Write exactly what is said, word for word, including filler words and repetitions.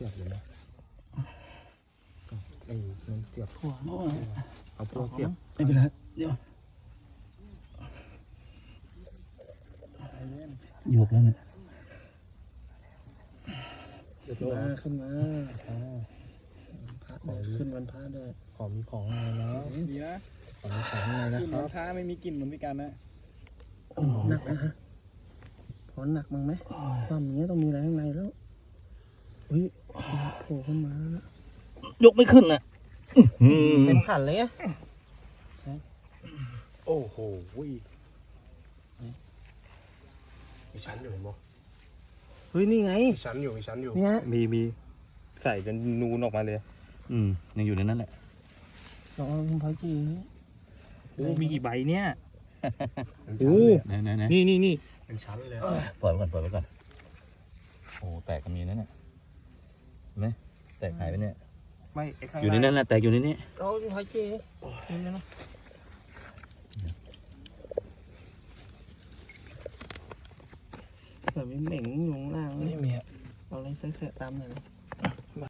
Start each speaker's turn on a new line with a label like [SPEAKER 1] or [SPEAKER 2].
[SPEAKER 1] สียบเลยนะไอ้มันเสียบ
[SPEAKER 2] หัวโม่
[SPEAKER 1] เอาพวกเสียบ
[SPEAKER 2] ไม่เป็นไรเดี๋ยวหยกแล้วเนี่ย
[SPEAKER 1] เดี๋ยว
[SPEAKER 2] ขึ้น
[SPEAKER 1] ตัว
[SPEAKER 2] มาขึ้นมา
[SPEAKER 1] อ่า
[SPEAKER 2] พระด้วยขึ้นวันพระด้วย
[SPEAKER 1] ขอมีของอะไรนะ
[SPEAKER 3] ดีนะ
[SPEAKER 1] ขอมีของอะไรนะ
[SPEAKER 3] กลิ่น
[SPEAKER 1] ครั
[SPEAKER 3] มะ
[SPEAKER 1] บ
[SPEAKER 3] พร้าวไม่มีกลิ่นเหมือนพี่กันนะ
[SPEAKER 2] โอ้หนักนะฮะพอหนักมั้งไหมความอย่างเงี้ยต้องมีอะไรข้างในแล้วอุ้ยโผล่ขึ้นมาแล้วยกไม่ขึ้นอ่ะเต็มขันเลยอะ
[SPEAKER 1] โอ้โหมีชั้นอยู่เห็นบ่
[SPEAKER 2] เฮ้ยนี่ไง
[SPEAKER 1] มีชั้นอยู่มีชั้นอยู่
[SPEAKER 2] เนี่ย
[SPEAKER 1] มีมีใส่จนนูนออกมาเลย
[SPEAKER 4] อืมยังอยู่ในนั้นแหละ
[SPEAKER 2] สองคุณพระจี
[SPEAKER 3] โอ้มีกี่ใบเนี่ย
[SPEAKER 1] เป็นชั้นเลย
[SPEAKER 4] ไหนไหนไหน
[SPEAKER 3] นี่นี่นี่
[SPEAKER 1] เป็นชั้นเลย
[SPEAKER 4] ปล่อยไว้ก่อนปล่อยไว้ก่อนโอ้แตกก็มีนั่นน่ะเห็นไหมแตกหายไปเนี่ย
[SPEAKER 3] ไม่ไอ้ข้าง
[SPEAKER 4] อยู่ในนั้นแหละแตกอยู่ในนี้
[SPEAKER 2] เราคุณพระจีนี่นะแบบมีเหม่งอยู่ข้างล่าง
[SPEAKER 1] ไม่มีอะ
[SPEAKER 2] เอาอะไรใส่ๆตามหน่อยนะ